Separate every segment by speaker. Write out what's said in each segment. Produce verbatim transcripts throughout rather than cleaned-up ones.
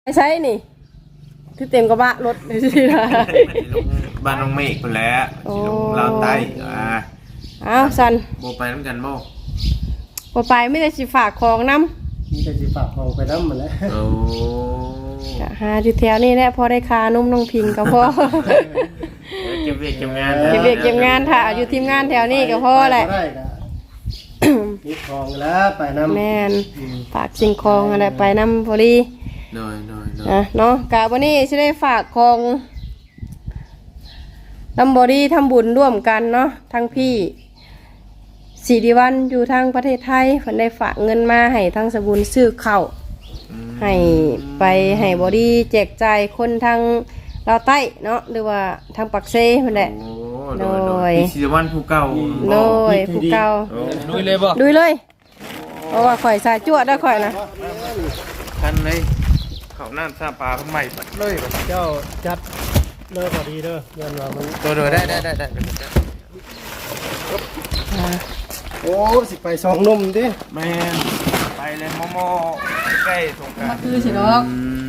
Speaker 1: ใช่นี่คือเต็มกระบะรถเลยสิล่ะ
Speaker 2: บ้านน้องเมฆคนแล้วสีลงลาวใต้อ่า
Speaker 1: อ้าวสัน
Speaker 2: โบไปน้ำกันโบ
Speaker 1: พอไปไม่ได้สิฝากของน้
Speaker 3: มีแต่สิฝากของไปน้ำหมดแล้ว
Speaker 2: โอ้
Speaker 1: หาอยู่แถวนี้แหละพอได้คานุ่มน้องพิงก็พอ
Speaker 2: เก็บเวียกเก็บงาน
Speaker 1: เก็บเวียกเก็บงานถ่าอยู่ทีมงานแถวนี้ก็พอแหละ
Speaker 3: มีของแล้วไปน้ำ
Speaker 1: แม่นฝากสิ่งของอะไรไปน้ำพอดี
Speaker 2: น้อยน้อย
Speaker 1: นะเนาะกะวันนี้จะได้ฝากของน้ำบอดี้ทำบุญร่วมกันเนาะทั้งพี่สี่ดีวันอยู่ทางประเทศไทยเพิ่นได้ฝากเงินมาให้ทั้งสบุญซื้อข้าวให้ไปให้บอดี้แจกจ่ายคนทางลาวใต้เนาะหรือว่าทางปักเซ่เพิ่นแหละโดย
Speaker 2: สี่ดีวันผู้เก่า
Speaker 1: โดยผู้เก่า
Speaker 2: ดุยเลยบ่
Speaker 1: ดุยเลยเพราะว่าข่อยสายจวดได้ข่อยนะ
Speaker 2: ทันเลยเขาน้ำซาปลาทำไมปัดเลย
Speaker 3: เจ้าจัดเลิกพอดีเด้อเงินว่ามัน
Speaker 2: ตัวเดือได้ได้ได้ได้
Speaker 3: โอ้สิไปสองนุ่มดิ
Speaker 2: แม่ไปเลยโมโมใกล้สงกรานต์
Speaker 1: มาคือสิดอก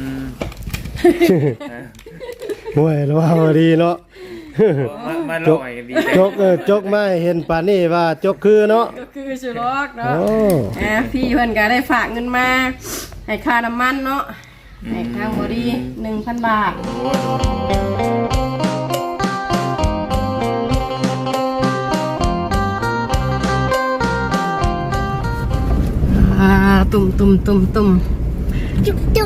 Speaker 3: มวยแล้วว่าพอดีเนาะ
Speaker 2: มาลอยกันดี
Speaker 3: จกเออจกไม่เห็นป่านนี้ว่าจกคือเนาะ
Speaker 1: ก็คือสิดอกเนาะอ่าพี่เพิ่นก็ได้ฝากเงินมาให้ค่าน้ำมันเนาะให้ทางบอดี้หนึ่งพันบาทตุ่มตุ่มตุ่มตุ่มจุ๊บจุ๊บ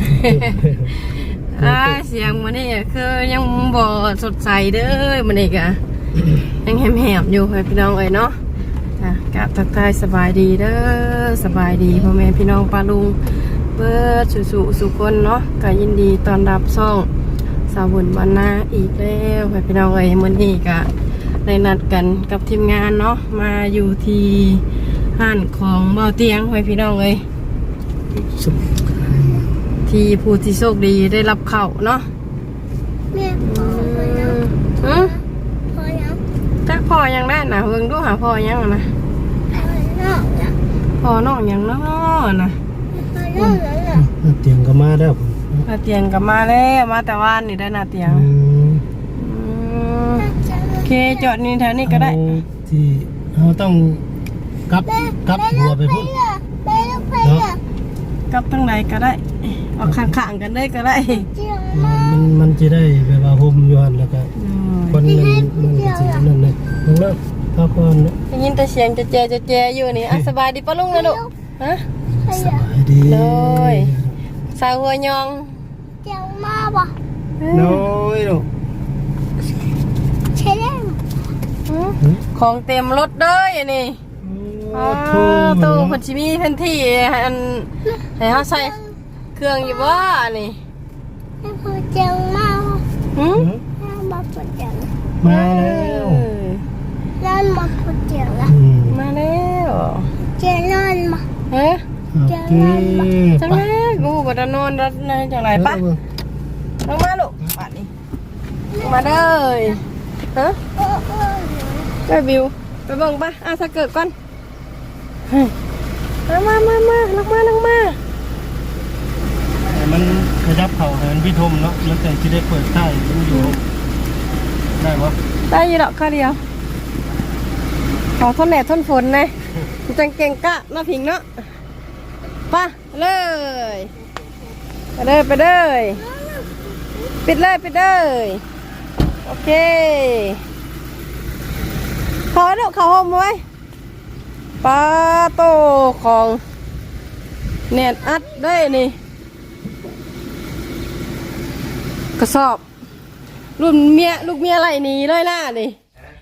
Speaker 1: อ่าเสียงมันนี่คือยังบ่สดใสเด้อมันนี่กะยังแหบๆอยู่พี่น้องเอ้ยเนาะอ่ะกะทักทายสบายดีเด้อสบายดีพ่อแม่พี่น้องป้าลุงเบิดสุสุสุคนเนาะก็ยินดีต้อนรับซ่องสาวบุญบรรณาอีกแล้วพี่น้องเอ้ยมื้อนี้กะได้นัดกันกับทีมงานเนาะมาอยู่ที่ห้านของเบาเตียงพี่น้องเอ้ยที่ผู้ที่โชคดีได้รับเข้าเนาะแม่พอยังอือพอยังจักพอยังได้นะเบิ่งดูหาพอยังนะพอน้องยังเนาะนะ
Speaker 3: เตียงก็มาแล้ว
Speaker 1: นาเตียงก็มาแล้วมาแต่ว่านนี่ได้นาเตียงโอเคจอดนี่แถวนี้ก็ได้
Speaker 3: ที่เราต้องกลับกลับหัวไปพุ่นเนาะ
Speaker 1: กลับทั้งไหนก็ได้เอาข้างๆกันได้ก็ได้
Speaker 3: มันมันจะได้แบบว่าห่มย้อนแล้วก็คนมันมันก็สินั่นเลยนั่นเลิกพักผ่อนนะ
Speaker 1: ได้ยินแต่เสียงจะแจจะแจอยู่นี่อ่ะสบายดีป้าลุงนะลูกฮะ
Speaker 3: สบายดี
Speaker 1: เลยสาวหัวยอง
Speaker 4: เจ้ามาบ่
Speaker 3: น้อยลูก
Speaker 4: ใช่แล้ว
Speaker 1: ของเต็มรถเลยนี่ตู้พัชมีพันที่อันให้เขาใส่เครื่องอยู่ว่านี่
Speaker 4: ให้พอเจ้ามา
Speaker 1: หืม
Speaker 4: มาพอเจ้า
Speaker 3: มาแล้ว
Speaker 4: นั่นมาพอเจ้าละ
Speaker 1: มาแล้ว
Speaker 4: เจ้านั่นมา
Speaker 1: เฮ้ย
Speaker 4: เจ้านั่นมา
Speaker 1: จังเลยกูบัดนอนรัดในจังไรปะลงมาลูกปัดนี่มาเลยฮะไปบิวไปเบิ่งปะอาสะเกิดก่อนมามามาลงมาลงมา
Speaker 3: มันขยับเข่าให้มันพิทมเนาะแล้วแต่จะได้เปิดใต้มันอยู่ได้ปะ
Speaker 1: ได้ยี่ดอกข้าเดียวขอทนแดดทนฝนเลยจังเก่งกะมาผิงเนาะไปเลยไปเลยไปเลยปิดเลยปิดเลยโอเคขอลูกเขาห่มไว้ปลาโตของเน็ตอัดได้นี่กระสอบรุ่นเมียลูกเมียอะไรนี่เลยล่ะนี่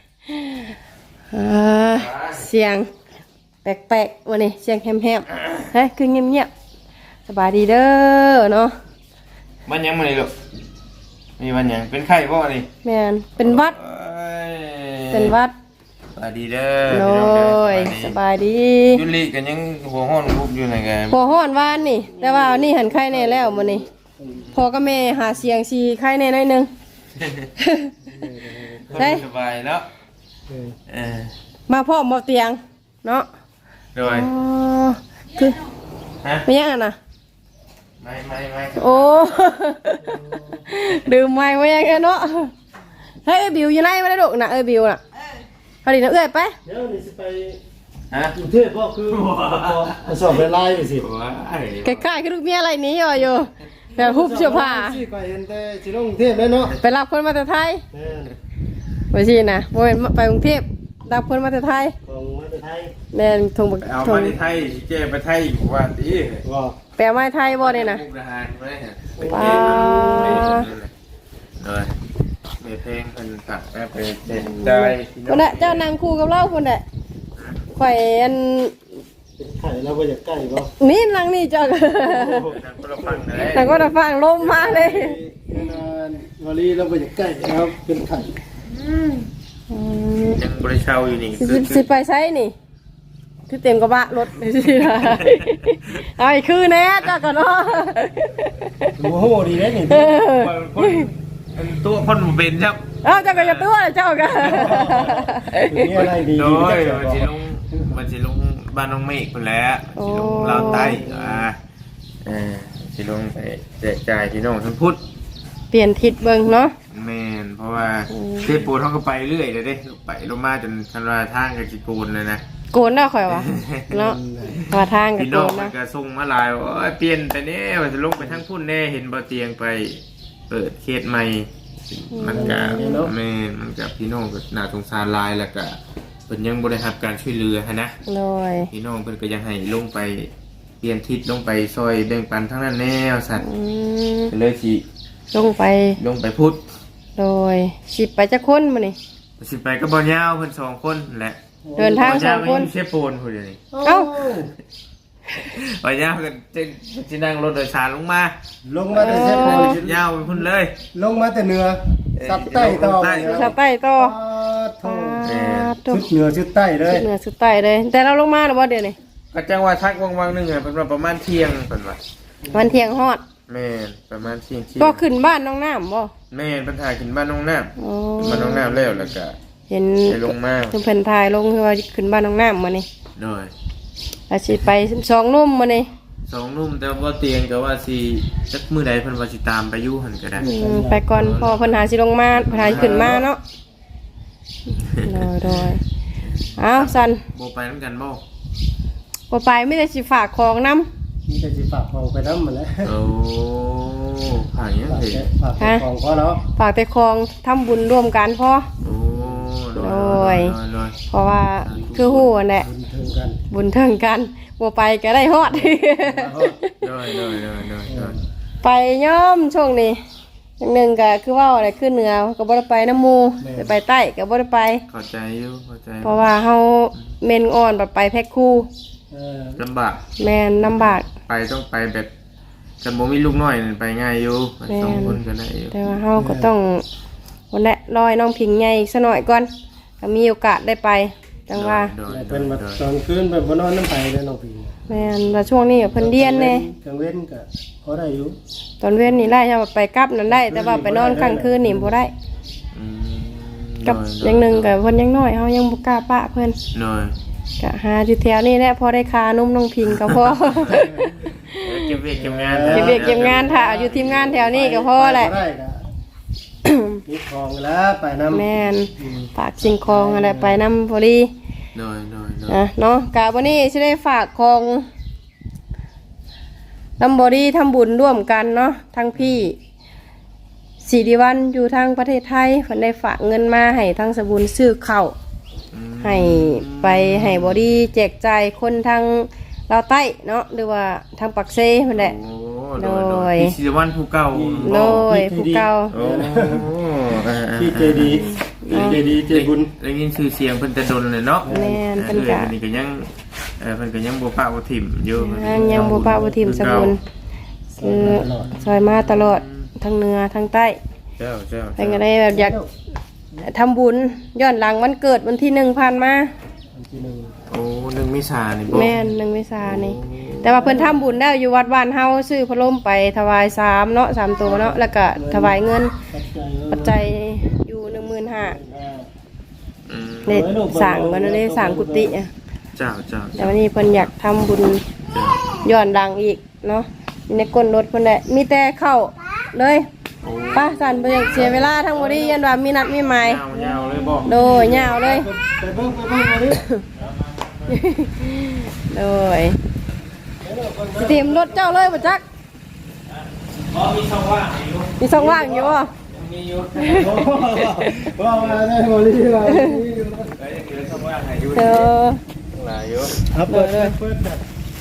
Speaker 1: เสียงแปลกๆวันนี้เสียงแหบๆเฮ้ยคือเงียบๆสบายดีเด้อเนาะ
Speaker 2: บ้านยังมาเลยลูกมีบ้านยังเป็นไข่บ่นี่
Speaker 1: แมนเป็นวัดเป็นวัด
Speaker 2: สบายดีเด้อ
Speaker 1: โอ้ยสบายดี
Speaker 2: ยุลิกันยังหัวห้อนรูปอยู่ไหนกัน
Speaker 1: หัวห้อนวานนี่แต่ว่านี่หันไข่แน่แล้วมันนี่พอก็แม่หาเสียงชีไข่แน่น้อยนึง
Speaker 2: ได้สบายแล้ว
Speaker 1: มาพ่อมาเตียงเนาะ
Speaker 2: โดย
Speaker 1: คือไม่ยังอ่ะนะ
Speaker 2: มไม่ไม่ไม่
Speaker 1: โอ้ ดื่มไม่ไม่ยังไงเนาะเฮ้ยบิวอยู่ไหนมาได้ดุนะเอ้ยบิวน่ะพอดีนะเอ้ยไป
Speaker 3: เดี๋ยวนี่สิไป
Speaker 2: ฮะ
Speaker 3: กรุงเทพบ่คือมาสอบไปไล่ไปสิ
Speaker 2: ว้า
Speaker 1: ใกล้ๆคือลูกเมียอะไรนี้อยู่อยู่แบบฮุบเสื้อผ้า
Speaker 3: สิไปเห็นแต่สิลงกรุงเทพแล้วเนาะ
Speaker 1: ไปรับคนมาแต่ไทย
Speaker 3: แม่น
Speaker 1: ไปสินะโมเป็นไปกรุงเทพรับคนมาแต่ไทย
Speaker 3: ของมาแต่ไทย
Speaker 1: แม่นทงบัก
Speaker 2: เอา
Speaker 1: ท
Speaker 2: มาง ในไทยเจ๊ไปไทยอยู่ว่าตี
Speaker 3: บ่
Speaker 1: แปลไม้ไทยบ่เนี่ยนะ
Speaker 2: มุกดาหารไม่ได้ไป
Speaker 1: ว้า
Speaker 2: เลยเมเพลงเป็นตัดแม่ไปเด็ดใจ
Speaker 1: คนน่ะเจ้านางคู่กับเราคนน่ะข่อยอัน
Speaker 3: เป็นไข่แล้วบ่อยากใกล้บ่
Speaker 1: นี่นางนี่เจ้า
Speaker 2: คนละฟังเลย
Speaker 1: แต่ก็จะฟังลมมาเลย
Speaker 3: นานวลีแล้วบ่อยากใกล้ครับเป็นไข่
Speaker 1: อืม
Speaker 2: ยังบริเช่าอยู่นี่
Speaker 1: สิสิสิไปใช้นี่คือเต็มกระบะรถสิได้เอาอีกคือแน่เจ้าก็เนาะ
Speaker 3: โอ้โหดีเด้นี่
Speaker 1: เออ
Speaker 2: คนตัวคนเป็นครับ
Speaker 1: เอาเจ้าก็อย่าตัวเจ้าก็
Speaker 3: มีอะไรดี
Speaker 2: โด
Speaker 3: ดี
Speaker 2: ย
Speaker 3: จัง
Speaker 2: มันสิลงมันสิลงบ้านน้องเมฆคนแล้วสิลงลาวใต้อ่าเออสิลงไปแจกจ่ายพี่น้องทั้งพุทธ
Speaker 1: เปลี่ยนทิศเบิ่งเนาะ
Speaker 2: แม่นเพราะว่าเทปูเขาก็ไปเรื่อยเลยเด้ไปลงมาจนคันว่าทางกับจิโกนเลยนะ
Speaker 1: โกนได้ข่อยวะเนาะมาทางกับ
Speaker 2: พี่
Speaker 1: โก
Speaker 2: น้อง
Speaker 1: น
Speaker 2: มัน
Speaker 1: นะ
Speaker 2: ก็ส่งมาหลายว่าโอ้ยเปลี่ยนไปแน่ว่าจะลงไปทั้งพุ่นแน่เห็นบ่เตียงไปเปิดเขตใหม่มันก็แม่นมันก็พี่น้องก็น่าสงสารหลายแล้วก็เพิ่นยังบ่ได้รับการช่วยเหลือหั้นนะ
Speaker 1: เลย
Speaker 2: พี่น้องเพิ่นก็ยังให้ลงไปเปลี่ยนทิศลงไปซอยแบ่งปันทั้งนั้นแน่ว่าซั่น
Speaker 1: อืม
Speaker 2: ก็เลยสิ
Speaker 1: ลงไป
Speaker 2: ลงไปพุทธ
Speaker 1: โดยสิไปจักคนมื้อนี่
Speaker 2: สิไปก็บ่ยาวเพิ่นสองคนแหละ
Speaker 1: เดินทางสองคน
Speaker 2: เชฟโปนพุ่นเดี๋ยวนี้
Speaker 1: เอ้า
Speaker 2: บ่ยาวก็จะสินั่งรถโดยสารลงมา
Speaker 3: ลงมาแต่เส้นโพ
Speaker 2: ยาวไปพุ่นเลย
Speaker 3: ลงมาแต่เหนือซับใต้ต่อ
Speaker 2: ใต้
Speaker 1: สะใต้ต่อ
Speaker 3: โถ่
Speaker 2: แม่
Speaker 1: ตุ
Speaker 3: ชุดเหนือชุดใต้เลย
Speaker 1: เหนือสุดใต้เลย แต่เราลงมาหรือว่าเดี๋ยวนี้
Speaker 2: ก็จังว่าทักวังๆหนึงอ่ะเพิ่นว่าประมาณเที่ยงเพิ่นว่า
Speaker 1: วันเที่ยงฮอด
Speaker 2: แม่นประมาณเที่ยงเที่ยง
Speaker 1: ก็ขึ้นบ้านน้องน้ำบ่
Speaker 2: แม่นเพิ่นถ่ายขึ้นบ้านน้องน้ำ
Speaker 1: โอ้
Speaker 2: บ้านน้องน้ำแล้วแล้วก็
Speaker 1: เห็น
Speaker 2: ไปลงมา
Speaker 1: เพิ่นเพิ่นถ่ายลงคือว่าขึ้นบ้านน้องน้ำมานี่
Speaker 2: โดย
Speaker 1: อาสิไปสองนุ่มมานี่
Speaker 2: สองหนุ่มแต่ว่าเตียงก็ว่าสิจักมื้อใดเพิ่นว่าสิตามไปอยู่หั่นก็ได้
Speaker 1: อืมไปก่อนพอเพิ่นหาสิลงมาเพิ่นหาสิขึ้นมาเนาะโดยโดยอ้าวสัน
Speaker 2: บ่ไปนำกันบ่
Speaker 1: บ่ไปไม่ได้สิฝากของนำ
Speaker 3: มีแต่สิฝากของไปน้ำหมดแล้ว
Speaker 2: โอ้ผ่านยัง
Speaker 3: ฝาก
Speaker 2: สิ
Speaker 3: แต่ฝากแต่ของพ่อเนาะ
Speaker 1: ฝากแต่ของทำบุญร่วมกันพอ
Speaker 2: โอ้โด
Speaker 1: โด
Speaker 2: ย
Speaker 1: ย
Speaker 2: โดย
Speaker 1: เพราะว่าคือฮู้นั่นแหละ
Speaker 3: บุญถึงกัน
Speaker 1: บุญเทิงกันบ่ไปก็ได้ฮอด
Speaker 2: โดยโดยโดยโดยโดย
Speaker 1: ไปย่อมช่วงนี้อย่างหนึ่งก็คือว่าอะไรขึ้นเหนือก็บ่ได้ไปน้ำหมูไปไปใต้ก็บ่ได้ไป
Speaker 2: เข้าใจอยู่เข้าใจ
Speaker 1: เพราะว่าเฮาเมนอ่อนแบบไปแพ็คคู่
Speaker 3: เออ
Speaker 2: ลำบาก
Speaker 1: แม่นลำบาก
Speaker 2: ไปต้องไปแบบกันบ่มีลูกน้อยนั่นไปง่ายอยู่ไป
Speaker 1: แม่น
Speaker 2: สองคนก็ได้อยู่
Speaker 1: แต่ว่าเฮาก็ต้องวันแหละรอยน้องพิงใหญ่อีกสักหน่อยก่อนถ้ามีโอกาสได้ไปจังว่า
Speaker 2: โดย
Speaker 3: แต่
Speaker 2: โด
Speaker 3: เป็น
Speaker 2: ย
Speaker 3: แบบ
Speaker 2: โดย
Speaker 3: ตอนคืนแบบบ่นอนน้ำไปเลยน้องพี่
Speaker 1: แม่นว่าช่วงนี้ก็เพิ่นเรียนแน่
Speaker 3: กลางเว้นก็พอได้อยู่
Speaker 1: ตอนเว้นนี่ได้ถ้าว่าไปกลับนั่นได้ แต่ว่าไปนอนกลางคืนนี่บ่ได้
Speaker 2: อืม
Speaker 1: กับ
Speaker 2: โด
Speaker 1: อย่างหนึงก็เพิ่นยังน้อยเฮายังบ่กล้าปะเพิ่น
Speaker 2: โดย
Speaker 1: ก็หาอยู่แถวนี้แหละพอได้คานุ่มน้องพิงก็พอ
Speaker 2: เก็บเวียกเก็บงาน
Speaker 1: เก็บเวียกเก็บงานถ้าอยู่ทีมงานแถวนี้ก็พอแหละ
Speaker 3: ได้ก็มีของแล้วไปน้ำ
Speaker 1: แม่นฝากสิ่งของอะไรไปนำพอดี
Speaker 2: โดยโดยโดย
Speaker 1: นะเนาะกะวันนี้สิได้ฝากของนำบอดี้ทำบุญร่วมกันเนาะทั้งพี่สิริวัลอยู่ทางประเทศไทยเพิ่นได้ฝากเงินมาให้ทางสบุญซื้อข้าว
Speaker 2: อืม
Speaker 1: ให้ไปให้บอดี้แจกจ่ายคนทางลาวใต้เนาะหรือว่าทางปักเซ่เพิ่นแหละ
Speaker 2: โอ้
Speaker 1: โด
Speaker 2: โด
Speaker 1: ย
Speaker 2: ยโดยพี่ศิริวัลผู้เก่า
Speaker 1: โดยผู้เก่า
Speaker 2: โอ้อ่าๆ
Speaker 3: ที่เจดีที่เจดีเจบุญ
Speaker 2: ได้ยินชื่อเสียงเพิ่นแต่ดนเลยเนาะ
Speaker 1: แม่น
Speaker 2: เอ
Speaker 1: เพิ่
Speaker 2: อน
Speaker 1: ก็
Speaker 2: เพิ่นนี่ก็ยังเออเพิ่นก็ยังบ่ปะบ่ถิ่มอยู่
Speaker 1: ยังยังบ่ปะบ่ทิมสบุญคือซอยมาตลอดทั้งเหนือทั้งใต้
Speaker 2: เจ้าเจ้า
Speaker 1: เป็นก็ได้แบบอยากทำบุญย้อนหลังวันเกิดวันที่หนึ่งผ่านมา
Speaker 3: วันที่หนึ่ง
Speaker 2: โอ้หนึ่งมิสานี่บ่
Speaker 1: แม่นหนึ่งเมษายนนี่ แต่ว่าเพิ่นทำบุญได้อยู่วัดบ้านเฮาซื้อพัดลมไปถวายสามเนาะสามตัวเนาะแล้วก็ถวายเงิน
Speaker 3: ปัจจัย
Speaker 1: ปัจจัยอยู่หนึ่งหมื่นห้า
Speaker 2: อืม
Speaker 1: เลยสั่งกันเลยสั่งกุฏิอะ
Speaker 2: เจ้าเจ้า
Speaker 1: แต่วันนี้เพิ่นอยากทำบุญ
Speaker 2: เจ้า
Speaker 1: ย้อนหลังอีกเนาะอยู่ในก้นรถคนแหละมีแต่เข้าเลยป้าสันไปเสียเวลาทั้งหมดนี้ยันว่ามีนัดมีหมาย
Speaker 2: ยาวๆเลยบอก
Speaker 1: โดยยาวเลย
Speaker 3: ไปเบิ่งไปเบิ่งเอาดิ
Speaker 1: โดยสิเตรียมรถเจ้าเลยบ่จัก
Speaker 2: อ๋อมีช่องว่างอยู่
Speaker 1: มีช่องว่างอยู่บ่
Speaker 2: มีอยู่
Speaker 3: ว่ามาได้บ่ลีว่า
Speaker 2: เอ้ยยังเหลือช่องว่างให้อยู่
Speaker 1: เออ
Speaker 2: หลายอยู่
Speaker 3: ครับเปิดเปิดแบบ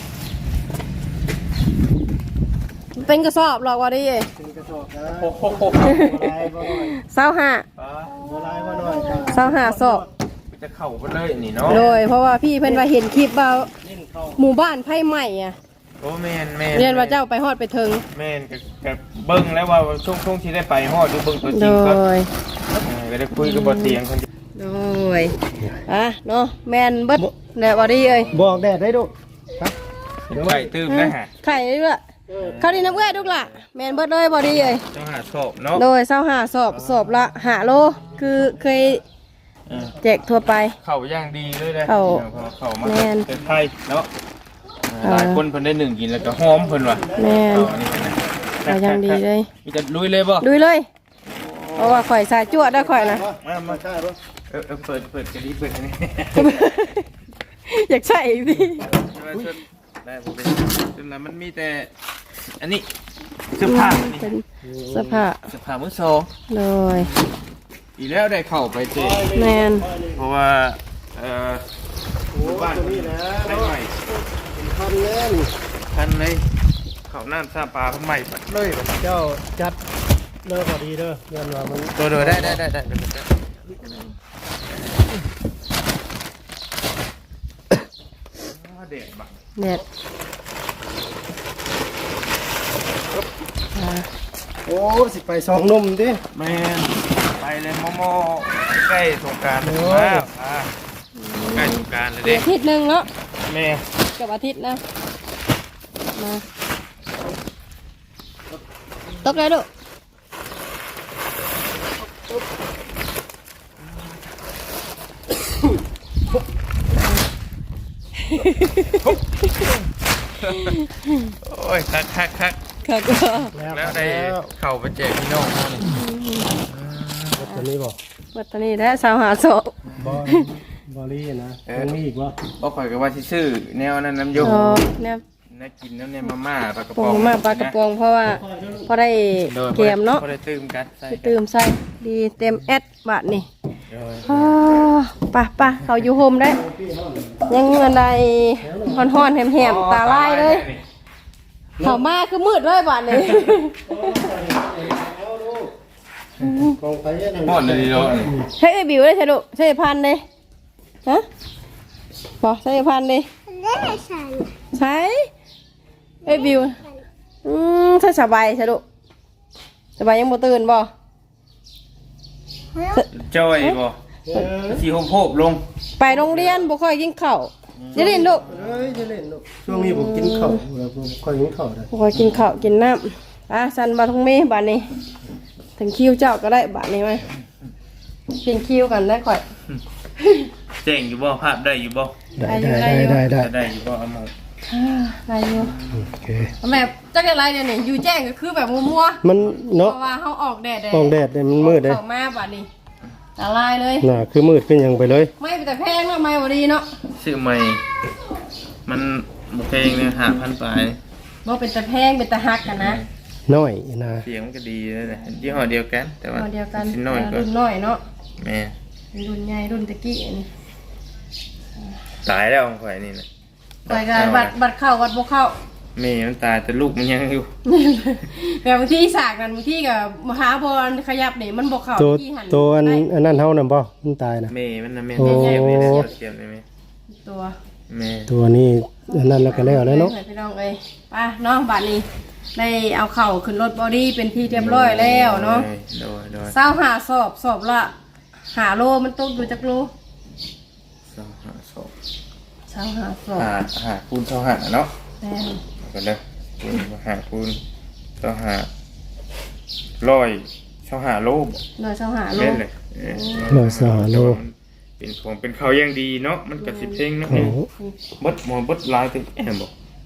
Speaker 1: เป็นกระสอบหรอกว่าดิ
Speaker 3: เป็นกระสอบนะ
Speaker 2: โอ้โห
Speaker 3: บ่ลายบ่น้อย
Speaker 1: เศร้าห้า
Speaker 3: บ่ลายบ่น้อย
Speaker 1: เศร้าห้าสอบ
Speaker 2: จะเข้าไปเลยนี่เนาะ
Speaker 1: โดยเพราะว่าพี่เพิ่นว่าเห็นคลิปว่าหมู่บ้านไผ่ใหม่อ่ะ
Speaker 2: โอ้แม่นแม่น
Speaker 1: เรียนว่าเจ้าไปฮอดไปถึง
Speaker 2: แม่นก็ก็เบิ่งแล้วว่าช่วงช่วงที่ได้ไปฮอดดูเบิ่งตัวจ
Speaker 1: โด
Speaker 2: ริงก็
Speaker 1: ย
Speaker 2: เออก็ได้คุยกับบ่เตียงคน
Speaker 1: โดยอ่ะเนาะแมนเบิดแดดบอดี้เอ้ย
Speaker 3: บอกแดดได้ดุครับ
Speaker 2: ไข่ตื้มนะฮะ
Speaker 1: ไข่ด้วยเขาดีน้ำเอื้อทุกละแมนเบิดเลยบอดี้เอ้ย
Speaker 2: ต้องหาศพเนาะ
Speaker 1: โดยเศร้าหาสอบสอบละหาโลคือเคย
Speaker 2: เออ
Speaker 1: แจกทั่วไป
Speaker 2: เข่าย่างดีเลยเลย
Speaker 1: เข้า
Speaker 2: เข่ามา
Speaker 1: แม่น
Speaker 2: เป็นไทยเนาะ
Speaker 1: อ่า
Speaker 2: หลายคนเพิ่นได้หนึ่งกินแล้วก็หอมเพิ่นว่ะ
Speaker 1: แมน
Speaker 2: เข่าอันนี้นะ
Speaker 1: ก็ยังดีเลย
Speaker 2: มีจะลุยเลยบ่
Speaker 1: ดูเลย เพราะว่าข่อยสายจวดได้ข่อยนะ
Speaker 2: มามา
Speaker 3: ใช่บ่
Speaker 2: เออเออเปิดเปิดกระดิ่งเปิดอันนี้
Speaker 1: อยากใส่อีกดิ
Speaker 2: ได้ผมเป็นจนแล้วมันมีแต่อันนี้เสื้อผ้าอันนี้
Speaker 1: เป็นเสื้อผ้า
Speaker 2: เสื้อผ้ามือสอง
Speaker 1: โดย
Speaker 2: อีกแล้วได้เข้าไปเจ
Speaker 1: แมน
Speaker 2: เพราะว่าเอ่อหมู่บ้าน
Speaker 3: นี่นะ
Speaker 2: ได้ใหม่
Speaker 3: พันแน่น
Speaker 2: ทันเลยเขาน้ำซาปลาเพิ่นใหม่ปัดเลยบัด
Speaker 3: เจ้าจัดเด้อพอดีเด้อยันว่ามัน
Speaker 2: ตัวเดียวได้ได้ได้ได้ได้ได้อ๋อเด็ดบัก
Speaker 1: เด็ดอ่า
Speaker 3: โอ้สิไปสองนมดิ
Speaker 2: แม่นไปเลยโมโมใกล้สงกรารแล้วอ่าใกล้สงกรารเลยเด็ก
Speaker 1: อาทิตย์หนึ่งเนาะ
Speaker 2: แม่
Speaker 1: กับอาทิตย์นะมาตกเลยดู
Speaker 2: โอ้ยคักคักคัก
Speaker 1: ค่ะก็
Speaker 2: แล้วได้เข่าไปแจกพี่น้องเขานี่
Speaker 3: ตัวนี้บ่
Speaker 1: วัตนีและสาวหาโศก
Speaker 3: บ่บ่ลีนะมันมีอีกบ่
Speaker 2: บ่ข่อยก็ว่าสิซื้อแนวนั้นน้ำยม
Speaker 1: อ๋อเนี่ย
Speaker 2: น่ากินน้ำเนี่ยมาม่าปลากระ
Speaker 1: ป
Speaker 2: ป๋
Speaker 1: อ
Speaker 2: อง ง
Speaker 1: มาปลากระป๋องเพราะว่าพอได้เกมเนาะ
Speaker 2: พอได้ตื่มกันใส่
Speaker 1: ไปตื่มใส่ดีเต็มแอดบาทนี่
Speaker 2: โดย
Speaker 1: อ้าวป่ะป่ะเขาอยู่โฮมได้ ยังเงินใดฮ้อนๆแหมๆตาลายเลยเขามาคือมืดเลยบาทนี่
Speaker 3: กองไปนั่น
Speaker 2: หมดเลยดีเนาะ
Speaker 1: ใช้ไอ้บิวเลยใช่ดุใช้ไอ้พันเลยฮะบอกใช้ไอ้พันเลย
Speaker 4: ได้ฉัน
Speaker 1: ใช้ไอ้บิวอืมใช่สบายใช่ดุสบายยังบ่ตื่นบ่
Speaker 2: จ้อยบ่สีโฮมโพบลง
Speaker 1: ไปโรงเรียนบ่ค่อยกินข้าวจะเล่นดุ
Speaker 3: เอ้ยจะเล่นลูกช่วงนี้ผมกินข้าวแล้วผมค่อยกินข้าวได้
Speaker 1: บ่ค่อยกินข้าวกินน้ำอ่ะสันบาทงเมบาทนี้ ถึงคิวเจ้าก็ได้บาทนี้ไหมกินคิวกันได้ค่อย
Speaker 2: เจ๋งอยู่บ่ภาพได้อยู่บ่
Speaker 3: ได้ได้ได้ได้ได้
Speaker 2: ได้อยู่บ่เอามา
Speaker 1: อ่าได้อยู่
Speaker 3: โอเค
Speaker 1: แบบจักอะไรเดี๋ยวนี้อยู่แจ้งก็คือแบบมัวๆ
Speaker 3: มัน
Speaker 1: เพ
Speaker 3: เนาะ
Speaker 1: ราะว่าเขาออกแดด
Speaker 3: กองแดดเนี่ยมันมืดเลย
Speaker 1: ออกมาบาทนี้ตาลายเลย
Speaker 3: น่ะคือมืดขึ้นยังไปเลย
Speaker 1: ไม่แต่แพงเนาะไม่บดีเนาะ
Speaker 2: ซื้อใหม่มันบ่แพงเนี่ยห้าพันปลาย
Speaker 1: บ่เป็นแต่แพงเป็นแต่ฮักกันนะ
Speaker 3: น้อยนะ
Speaker 2: เสียงมันก็ดีเลยนะยี่ห้อเดียวกัน แต่ว่า
Speaker 1: เอาเดียวกัน
Speaker 2: ชิ้นน้อยก็
Speaker 1: รุ่นน้อยเนาะ
Speaker 2: แม่
Speaker 1: รุ่นใหญ่รุ่นตะกี้นี่
Speaker 2: ตายแล้วของข่อยนี่นะ
Speaker 1: ไปกันบัตรบัตรเข้าบัตรบ่เข้า
Speaker 2: แม่มันตายแต่ลูกมันยังอยู่
Speaker 1: แบบบางที่สากกันบางที่กับมหาบอลขยับนี่มันบ่เข้า
Speaker 3: ตัว
Speaker 1: ที่หัน
Speaker 3: ตัวอัน
Speaker 1: ได้
Speaker 3: อันนั้นเฮานํบ่มันตายนะ
Speaker 2: แม่มันนะแม่
Speaker 3: โอ้
Speaker 2: เสียบเลยเสียบเลยแม่
Speaker 1: ตัว
Speaker 2: แม่
Speaker 3: ตัวนี้อันนั้นแล้วก็แล้วแล้วเนาะ
Speaker 1: พี่น้องเอ้ยไปน้องบัตรนี้ได้เอาเข่าขึ้นรถบอดี้เป็นที่เรียบร้อยแล้วเนาะ
Speaker 2: โดยโดย
Speaker 1: เศร้าหาสอบสอบละหาโลมันตกอยู่จักโล
Speaker 2: สองห้าสอง
Speaker 1: เศร้าหาสอบ
Speaker 2: หาหาคูณเท่าหาเนาะ
Speaker 1: แม่น
Speaker 2: เอากันเลยคูณหาคูณเท่าหาร้อยเท่าหาโลบ
Speaker 1: หน่อยเศร้าหาโล
Speaker 2: เล่นเลยเออ
Speaker 3: ร้อยสหโล
Speaker 2: เป็นของเป็นเขาวอย่างดีเนาะมันกับสิเพลงเนาะ
Speaker 3: โอ้
Speaker 2: เบดหมอเบดลายตึงแอมบอก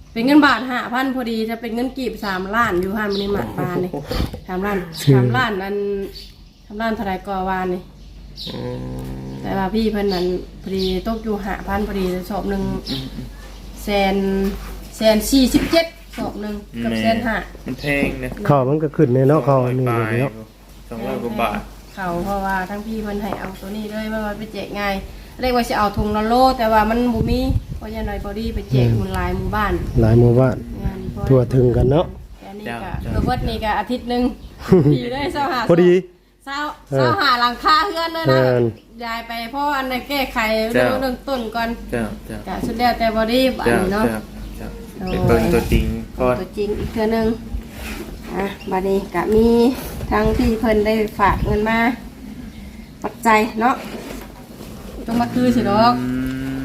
Speaker 1: เป็นเงินบาทห้าพันพอดีจะเป็นเงินกีบสามล้านอยู่ห้ามันนี่หมัดปลาเลยสามล้านสามล้านนั้นสามล้านเท่าไรก็วานนี่แต่ว่าพี่เพิ่นนั้นพอดีตกอยู่ห้าพันพอดีสอบหนึ่งแสนแสนสี่สิบเจ็ดสอบหนึ่งกับแสนห้า
Speaker 2: มันแพงนะ
Speaker 3: ข้าวมันก็ขึ้นในเนาะข้าวอันนี้
Speaker 2: ไป
Speaker 3: เนาะ
Speaker 2: สองร้อยกว่าบาท
Speaker 1: เขาเพราะว่าทั้งพี่เพิ่นให้เอาตัวนี้เลยว่ามันไปแจกง่ายเรียกว่าจะเอาถุงละโลแต่ว่ามันบ่มีเพราะยันหน่อยพอดีไปแจกหมู่หลายหมู่บ้าน
Speaker 3: หลายหมู่บ้าน
Speaker 1: งานพอ
Speaker 3: ทั่วถึงกันเนาะ
Speaker 1: แค่นี้ก็เกือบเบิดนี่ก็อาทิตย์หนึงพี่ได้เศร้าหา
Speaker 3: พอดี
Speaker 1: เศร้าเศร้าหาหลังคาเฮือนเลยนะ
Speaker 3: เออ
Speaker 1: ยายไปเพราะอันนั้นแก้ไขเรื่องเรื่องต้นก่อน
Speaker 2: เจ้าเจ้า
Speaker 1: ก็สุดแล้วแต่บอดี้อัน
Speaker 2: เจ้า
Speaker 1: นี้เนาะ
Speaker 2: เจ้าเจ้าเป็นต้นตัวจริงก่อน
Speaker 1: ตัวจริงอีกเทื่อนึงอ่ะบัดนี้ก็มีทั้งพี่เพิ่นได้ฝากเงินมาปัจจัยเนาะต้องมาคือสิดอก
Speaker 2: อืม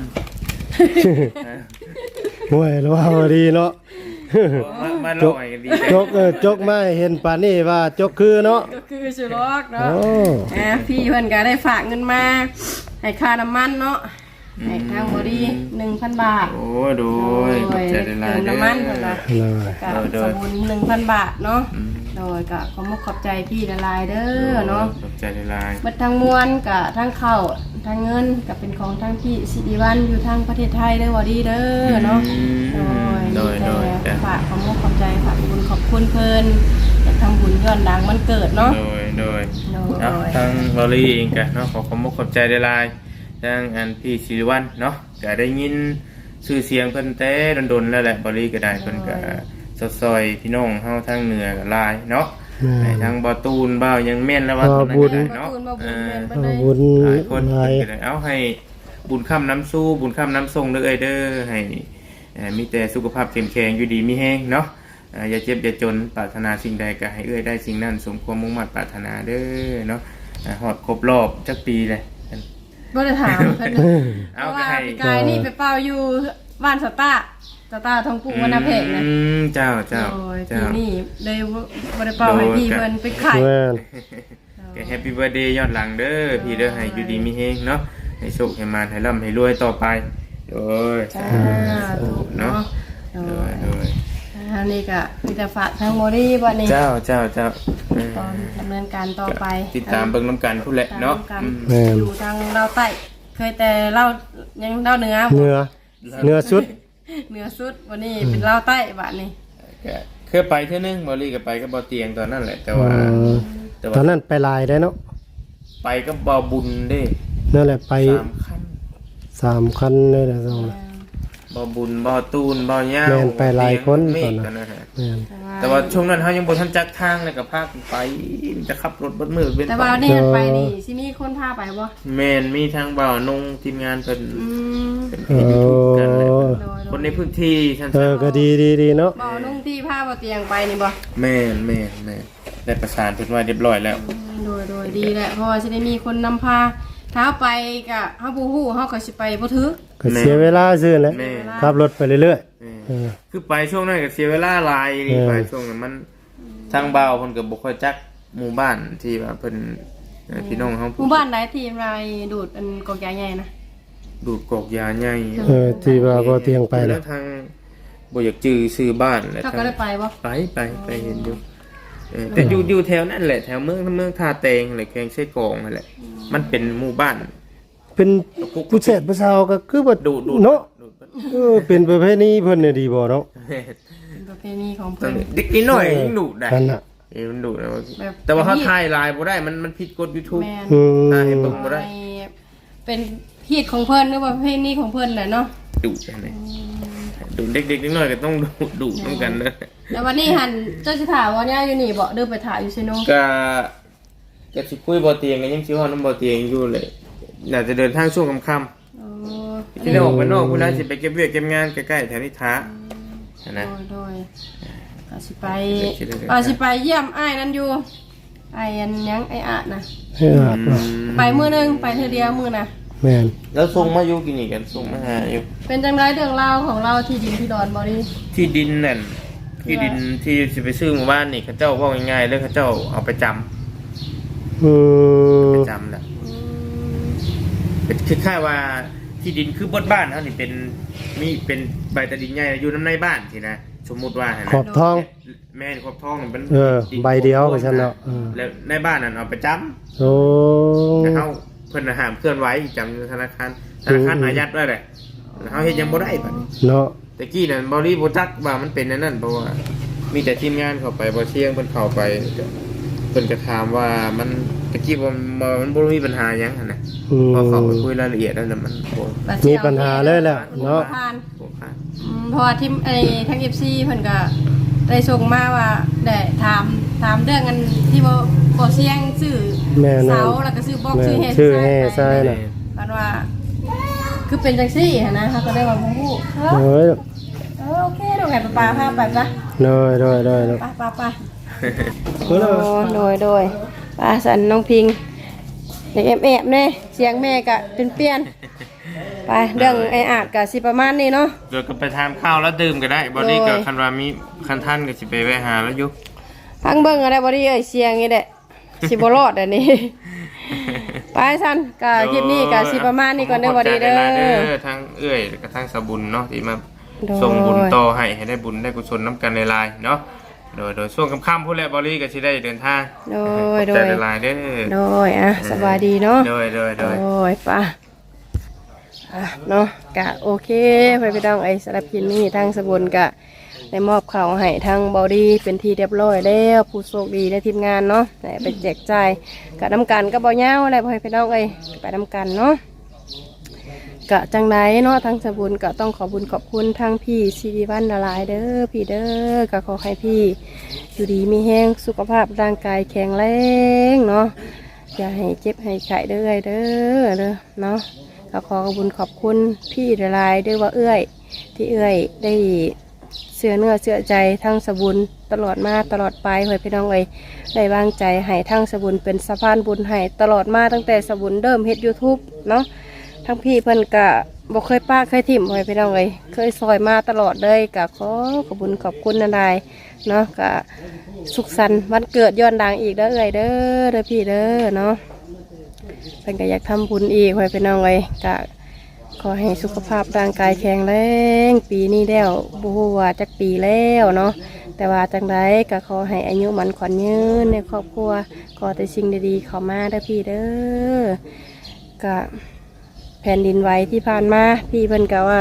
Speaker 3: ห่วยแล้วว่าพอดีเนาะ
Speaker 2: มามาลอยกันดี
Speaker 3: จกเออจกมาให้เห็นป่านนี้ว่าจกคือเนาะ
Speaker 1: ก็คือสิดอกเนาะ
Speaker 3: โอ้
Speaker 1: อ่ะพี่เพิ่นก็ได้ฝากเงินมาให้ค่าน้ำมันเนาะให้ทางบอดี้หนึ่งพันบาท
Speaker 2: โอ้โดยขอบใจหลายๆ
Speaker 1: เติมน้ำมันเพิ่นว่า
Speaker 3: เลย
Speaker 1: กับสมุนหนึ่งพันบาทเนาะ โดยกับขอมขอบใจพี่ละลายเด้อเนาะ
Speaker 2: ขอบใจหลาย
Speaker 1: บัดทางมวลกับทางเข้าทางเงินกับเป็นของทางพี่สิริวัลอยู่ทางประเทศไทยเด้อวอดีเด้อเนาะ โดย
Speaker 2: โดยโดย
Speaker 1: แต่ฝากขอมขอบใจฝากบุญขอบคุณเพิ่นอยากทำบุญย้อนหลังมันเกิดเนาะ
Speaker 2: โดยโดย
Speaker 1: โด
Speaker 2: เนาะ
Speaker 1: ย
Speaker 2: ทางบริเองกันเนาะขอขอบคุณขอบใจหลายๆทางอันพี่ศิริวัลย์เนาะก็ได้ยินชื่อเสียงเพิ่นแต่ดนๆแล้วแหละบริก็ได้เพิ่นก็ซอยๆพี่น้องเฮาทางเหนือก็หลายเนาะ ให้ทางบ่ตูนบ่าวยังแม่นแล้วว่าคนนั้นก็ได้เนาะ
Speaker 1: บุญมาบุญแม่นบ่
Speaker 3: เอา
Speaker 1: ได้
Speaker 3: บุญ
Speaker 2: หลายคน
Speaker 3: หลาย
Speaker 2: เพิ่นก็ได้เอาให้บุญค่ำน้ำสู้บุญค่ำน้ำทรงเด้อเอ้ยเด้อให้เอ่อมีแต่สุขภาพเข้มแข็งอยู่ดีมีแห้งเนาะอ่าอย่าเจ็บอย่าจนปรารถนาสิ่งใดก็ให้เอ้ยได้สิ่งนั้นสมความมุ่งมั่นปรารถนาเด้อเนาะอ่าฮอดครบรอบจักปีเลย
Speaker 1: บ่ได้ถามเพิ่นเพ
Speaker 2: เอา
Speaker 1: ราะ
Speaker 2: ก็
Speaker 1: ว่า
Speaker 2: ให้
Speaker 1: พี่กายนี่ไปเป่าอยู่บ้านสตาร์สตาร์ทองปู่วรรณเพกนะ
Speaker 2: อืมเจ้าเจ้า
Speaker 1: โอ้ย
Speaker 2: เจ้า
Speaker 1: ปีนี้เลยบ่ได้เป่าให้พี่เพิ่นไปขาย
Speaker 3: แม่น
Speaker 2: ก็แฮปปี้เบิร์ดเดย์ย้อนหลังเด้อพี่เด้อให้อยู่ดีมีแฮงเนาะให้โชคให้มานให้ร่ำให้รวยต่อไปโดย
Speaker 1: จ้า
Speaker 2: ถูกเนาะ
Speaker 1: โด
Speaker 2: โด
Speaker 1: ย
Speaker 2: ยโดย
Speaker 1: อันนี้ก็มีแต่ฝากทางโมดี้บัดนี้
Speaker 2: เจ้าเจ้าเจ้าเออ
Speaker 1: ตอนดำเนินการต่อไป
Speaker 2: ติดตามเบิ่งน้ำกันพุ่นแหละเนาะ
Speaker 1: ตาม
Speaker 2: อืม
Speaker 1: กันอยู่ทางเราวใต้เคยแต่เล่ายังเล่าเหนือ
Speaker 3: เนื้อเนื้อสุด
Speaker 1: เหนือสุดวันนี้เป็นเล่าใต้บัดนี้
Speaker 2: ก็เคยไปเท่านึงบอลี่ก็ไปก็บ่เตียงตอนนั้นแหละแต่ว่า
Speaker 3: เออ
Speaker 2: แต่
Speaker 3: ตอ
Speaker 2: ว่าน
Speaker 3: นั้นไปลายได้เนาะ
Speaker 2: ไปก็บ่บุญเด้
Speaker 3: นั่นแหละไป
Speaker 2: สามคัน
Speaker 3: สามคันเลยนะต้องนะ
Speaker 2: บ่บุญบ่ตูนบ่ย่าว
Speaker 3: แม่นไปหลายคน
Speaker 2: เม
Speaker 3: ตอ
Speaker 2: ฆ
Speaker 3: นนั้น
Speaker 2: กันนะฮะ
Speaker 3: แม่น
Speaker 2: แต่ว่าช่วงนั้นเขายังบ่ทันจักทางเลยกับภาคไปจะขับรถเบดมือเป็น
Speaker 1: แต่ว่านี่ไปนี่สิมีคนพาไปบ่
Speaker 2: แมนมีทางบ่าวนงทีมงานเป็น
Speaker 1: อืม
Speaker 2: เป็นเพจยูทูบกันแหละ
Speaker 3: โอ้
Speaker 1: โดย
Speaker 2: คนในพื้นที่ท่าน
Speaker 3: เออก็ดีดีดีเนาะ
Speaker 1: บ่นุ่งที่ผ้าบ่เตียงไปนี่บ่
Speaker 2: แม่นแม่นแม่นได้ประสานเพิ่นไว้เรียบร้อยแล้ว
Speaker 1: โดยโดยดีแหละเพราะว่าสิได้มีคนนำพาถ้าไปก็เฮาบ่ฮู้เฮาก็สิไปบ่ถึก
Speaker 3: ก็เสียเวลาซื่อแหละ
Speaker 2: แม่
Speaker 3: ขับรถไปเรื่อย
Speaker 2: แม่
Speaker 3: ๆเออ
Speaker 2: คือไปช่วงนั้นก็เสียเวลาหลายนี่
Speaker 3: เออ
Speaker 2: ไปช่วงนั้นมันทางบ่าวเพิ่นก็บ่ค่อยจักหมู่บ้านที่ว่าเพิ่นเอ่อพี่น้องเฮา
Speaker 1: หมู่บ้านไหนที่ไรดูดอันกอกยาใหญ่นะ
Speaker 2: ดูดกอกยาใหญ่
Speaker 3: เออที่ว่าบ่เตียงไป
Speaker 2: แล้
Speaker 3: นะ
Speaker 2: วทางบ่อยากจื้อซื้อบ้านแล้ว
Speaker 1: เขา
Speaker 2: ทาง
Speaker 1: ก็ได้ไปบ่
Speaker 2: ไปไปไปเห็นอยู่เออแต่อยู่อยู่แถวนั้นแหละแถวเมืองเมืองท่าแตงอะไรแกงไส้กรองนั่นแหละมันเป็นหมู่บ้าน
Speaker 3: เป็นผู้เสพผู้สาวก็คือบ่
Speaker 2: ดูดู
Speaker 3: เนาะ
Speaker 2: ดูด
Speaker 3: เออเป็นประเภทนี้เพิ่นน่ะดีบ่เนาะ
Speaker 1: เป็นประเพณีของ
Speaker 2: ตอน
Speaker 1: เพิ่น
Speaker 2: นี้เด็กนิดหน่อยยังดูดได้
Speaker 3: นั่นน่ะ
Speaker 2: เออมันดูดนะว่า
Speaker 1: แบบ
Speaker 2: แต่ว่าเขาถ่ายไลน์บ่ได้มันมันผิดกฎ YouTube
Speaker 1: แม่น
Speaker 3: อืม
Speaker 2: ถ่ายให้เบิ่งบ่ได้
Speaker 1: เป็นฮีตของเพิ่นหรือว่าประเพณีของเพิ่นแหละเนาะ
Speaker 2: ดูดได้ดูดเด็กๆนิดหน่อยก็ต้องดูดดูดเหมือนกันนะ
Speaker 1: แล้ววันนี้หันเจ้าสิถามว่าเนี่ยอยู่นี่บ่เดินไปถ่ายอยู่ซิโน
Speaker 2: ก็ก็สิคุยบ่เตียงกันยังสิเฮานํบ่เตียงอยู่เลยน่าจะเดินทางช่วงค่ำ
Speaker 1: อ๋อ
Speaker 2: ๆที่ได้ออกไปนอกพุ่นน่าสิไปเก็บเวียกเก็บงานใกล้ๆแถวนี้ท้า
Speaker 1: โด
Speaker 2: นะ
Speaker 1: ยโดยก็สิไป
Speaker 2: คิดได้เลย
Speaker 1: ก็สิไปเยี่ยมอ้ายนั่นอยู่อ้ายอันยังไอ้อาดนะ
Speaker 3: ให้อาบเนาะ
Speaker 1: ไปมื้อนึงไปเทื่อเดียวมื้อน่ะ
Speaker 3: แม่น
Speaker 2: แล้วส่งมาอยู่กินนี่กันส่งมาหาอยู่
Speaker 1: เป็นจังไรเรื่องราวของเราที่ดินที่ดอนบ่ดี
Speaker 2: ที่ดินนั่นที่ดินที่สิไปซื้อหมู่บ้านนี่เขาเจ้าว่าง่ายๆเลยเขาเจ้าเอาไปจำ
Speaker 3: อืม
Speaker 2: ไปจำแหละเป็นคล้ายๆว่าทที่ดินคือบนบ้านเขานี่เป็นมีเป็นใบตะดินใหญ่อยู่น้ำในบ้านสินะสมมุติว่าหั่น
Speaker 3: ข
Speaker 2: นะ
Speaker 3: อบทอง
Speaker 2: แม่นขอบทองมันเป็น
Speaker 3: เออ
Speaker 2: ดิน
Speaker 3: ใบเดียวก็ฉันเนาะเออ
Speaker 2: แล้วในบ้านนั่นเอาไปจำ
Speaker 3: โอ้
Speaker 2: แต่เขาเพิ่นน่ะห้ามเคลื่อนไหวจำอยู่ธนาคารธนาคารอายัดไว้แหละเขาเฮ็ดยังบ่ได้บัดนี้
Speaker 3: เนาะ
Speaker 2: แต่กี้นั่นบ่รีบ่จักว่ามันเป็นอันนั้นเพราะว่ามีแต่ทีมงานเข้าไปบ่เชียงเพิ่นเข้าไปเพิ่นก็ถามว่ามันตะกี้ว่ามันบ่มีปัญหาหยังหั่นน่ะ
Speaker 3: อืม
Speaker 2: พอเข้าไปคุยรายละเอียดแล้วน่ะมันโอ้
Speaker 3: มีปัญหาเลยแหละเนาะ
Speaker 1: ผ่าน
Speaker 2: โหผ่าน
Speaker 1: อืมเพราะว่าที่ไอ้ทั้ง เอฟ ซี เพิ่นก็ได้ส่งมาว่าได้ถามถามเรื่องกันที่บ่บ่เสียงชื่อ
Speaker 3: แม่น
Speaker 1: เสาแล้วก็ชื่อบอก
Speaker 3: แม่
Speaker 1: ชื่อเฮ
Speaker 3: ชื่อแห่ทรายน่ะ
Speaker 1: มันว่า คือเป็นจังซี่หั้นนะเขาก็ได้ว่าบ่ฮู้เออ
Speaker 3: เอ้ย
Speaker 1: เออโอเคเดี๋ยวให้ป้าพาไปซะ
Speaker 3: น้อยน้อยน้อยน้อย
Speaker 1: ไปไปไป
Speaker 3: เพิ่น
Speaker 1: โด
Speaker 3: เอา
Speaker 1: ยโดยโดยป้าสันน้องพิงเด็กแอบแอบๆเนี่ยเสียงแม่ก็เป็นเปลี่ยนไปเรื่องไอ้อาจก็สิประมาณนี้เนาะ
Speaker 2: เดี๋ยวก็ไปทานข้าวแล้วดื่มก็ได้บอดี้
Speaker 1: โด
Speaker 2: ก็
Speaker 1: ย
Speaker 2: คันว่ามีคันท่านก็สิไปแวะหาแล้วอยู่
Speaker 1: พังเบิ่งอะไรบ่ได้เอ้ยเสียงนี่แหละสิบ่รอดอันนี้ ไปสันก็คลิปนี้ก็สิประมาณนี้ก่อนเด้อบ่ดีเด้
Speaker 2: ขบใจหลายๆ
Speaker 1: อ
Speaker 2: เด้อทั้งเอื้อยแล้วก็ทั้งสะบุญเนาะที่มา
Speaker 1: โดย
Speaker 2: ส่งบุญต่อให้ให้ได้บุญได้กุศลน้ำกันในลายๆเนาะโดยโดยช่วงค่ำๆพูดแล้วบอดี้ก็สิได้เดินทาง
Speaker 1: โด
Speaker 2: ข
Speaker 1: ย
Speaker 2: อบ
Speaker 1: โด
Speaker 2: ใจ
Speaker 1: ย
Speaker 2: หลายๆเด้อ
Speaker 1: โดยอ่ะสบายดีเนาะ
Speaker 2: โดยโดยโด
Speaker 1: โด
Speaker 2: ย
Speaker 1: ยป่ะอ่ะเนาะกะโอเคไปไปต้องไอ้สำหรับคลิปนี้ทางสบุนกะได้มอบข่าวให้ทางบอดี้เป็นที่เรียบร้อยแล้วผู้โชคดีในทีมงานเนาะได้ไปแจกจ่ายกะน้ำกันก็บ่ยาวอะไรพอให้ไปต้องไอ้ไปน้ำกันเนาะกะจังไดเนาะทางสบุนกะต้องขอบุญขอบคุณทางพี่ซีดีวันละลายเด้อพี่เด้อกะขอให้พี่อยู่ดีมีแห้งสุขภาพร่างกายแข็งแรงเนาะอย่าให้เจ็บให้ไข้เด้อเด้อเด้อเนาะ ก็ขอขอบคุณขอบคุณพี่ละลายด้วยว่าเอื้อยที่เอื้อยได้เสื้อเนื้อเสื้อใจทั้งสบุญตลอดมาตลอดไปเฮ้ยพี่น้องเอ้ยได้วางใจให้ทั้งสบุญเป็นสะพานบุญให้ตลอดมาตั้งแต่สบุญเริ่มเฮ็ดยูทูบเนาะทั้งพี่เพิ่นกะบอกเคยป้าเคยถิ่มเฮ้ยพี่น้องเอ้ยเคยซอยมาตลอดเลยกะขอขอบคุณขอบคุณนันไดเนาะกะสุขสันต์วันเกิดย้อนดังอีกเด้อเอ้ยเด้อเด้อพี่เด้อเนาะ เพิ่นก็อยากทำบุญอีกไว้เป็นน้องเลยก็ขอให้สุขภาพร่างกายแข็งแรงปีนี้แล้วบ่ฮู้ว่าจักปีแล้วเนาะแต่ว่าจังไดก็ขอให้อายุมันขวัญยืนในครอบครัวขอแต่สิ่งดีๆเข้ามาเด้อพี่เด้อก็แผ่นดินไหวที่ผ่านมาพี่เพิ่นก็ว่า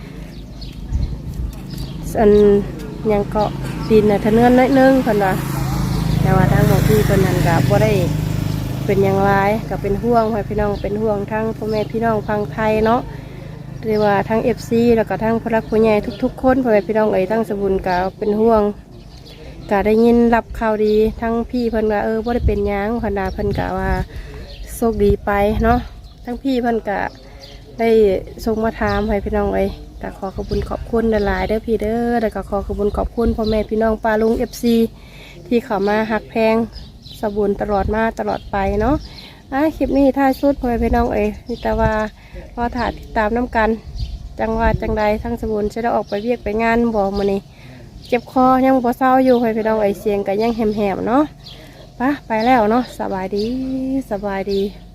Speaker 1: อันยังเกาะดินน่ะทะเนือนน้อยนึงเพิ่นว่าแต่ว่าทางของพี่เพิ่นนั้นก็บ่ได้ เป็นอย่างไรก็เป็นห่วงให้พี่น้องเป็นห่วงทั้งพ่อแม่พี่น้องฟังไทยเนาะหรือว่าทั้งเอฟซีแล้วก็ทั้งพลักผู้ใหญ่ทุกๆคนพ่อแม่พี่น้องเอ๋ยทั้งสบุญก็เป็นห่วงก็ได้ยินรับข่าวดีทั้งพี่เพิ่นว่าเออบ่ได้เป็นหยังพนดาเพิ่นก็ว่าโชคดีไปเนาะทั้งพี่เพิ่นก็ได้ส่งมาถามให้พี่น้องเอ๋ยก็ขอขอบคุณขอบคุณหลายๆเด้อพี่เด้อแล้วก็ขอขอบคุณขอบคุณพ่อแม่พี่น้องป้าลุงเอฟซีที่เข้ามาหักแพงสบุญตลอดมาตลอดไปเนาะอ่ะคลิปนี้ท้ายสุดพ่อแม่พี่น้องเอ๋ยนี่แต่ว่าพอถ่ายติดตามน้ำกันจังว่าจังใดทั้งสบุญจะได้ออกไปเวียกไปงานบอกมานี่เจ็บคอยังบ่เศร้าอยู่พ่อแม่พี่น้องเอ๋ยเสียงก็ยังแหมๆเนาะไปไปแล้วเนาะสบายดีสบายดี